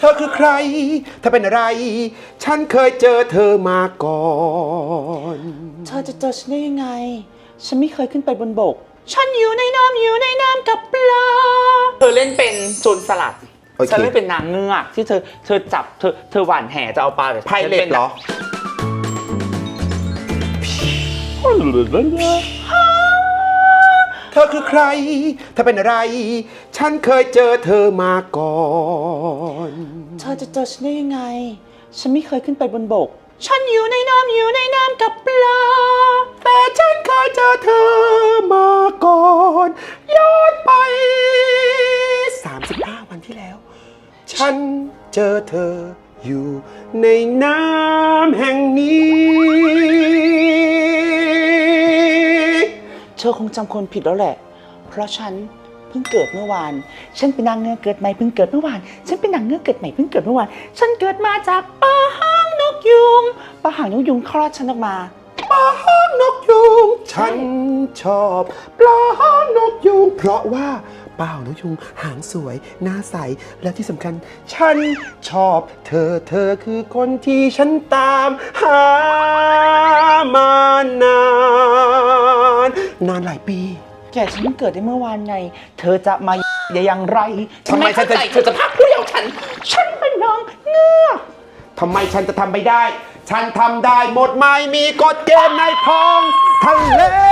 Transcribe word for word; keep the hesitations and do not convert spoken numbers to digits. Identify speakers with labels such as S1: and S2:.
S1: เธอคือใครเธอเป็นอะไรฉันเคยเจอเธอมาก่อน
S2: เธอจะเจอฉันได้ยังไงฉันไม่เคยขึ้นไปบนบกฉันอยู่ในน้ำอยู่ในน้ำกับปลาเธอเล่นเป็นโจรสลัดฉันเล่นเป็นนางเงือกที่เธอเธอจับเธอเธอหว่านแหจะเอาปลาแต่
S1: ไพเรตเหรอเธอคือใครเธอเป็นอะไรฉันเคยเจอเธอมาก่อน
S2: เธอจะเจอฉันได้ยังไงฉันไม่เคยขึ้นไปบนบกฉันอยู่ในน้ำอยู่ในน้ำกับปลา
S1: แต่ฉันเคยเจอเธอมาก่อนย้อนไปสามสิบห้าวันที่แล้วฉันเจอเธออยู่ในน้ำแห่งนี้
S2: เธอคงจำคนผิดแล้วแหละเพราะฉันเพิ่งเกิดเมื่อวานฉันเป็นนางเงือกเกิดใหม่เพิ่งเกิดเมื่อวานฉันเป็นนางเงือกเกิดใหม่เพิ่งเกิดเมื่อวานฉันเกิดมาจากปลาหางนกยุงปลาหางนกยุงคลอดฉันออกมา
S1: ปลาหางนกยุงฉันชอบปลาหางนกยุงเพราะว่าปลาหางนกยุงหางสวยหน้าใสและที่สำคัญฉันชอบเธอเธอคือคนที่ฉันตามหามานานนานหลายปี
S2: แกฉันเพิ่งเกิดได้เมื่อวานไงเธอจะมาได้อย่างไร
S1: ทำไมฉันจะ
S2: เธอจะพักผู้เยาว์ฉันฉันเป็นนางเงือก
S1: ทำไมฉันจะทำไม่ได้ฉันทำได้หมดไม่มีกฎเกณฑ์ในท้องทะเล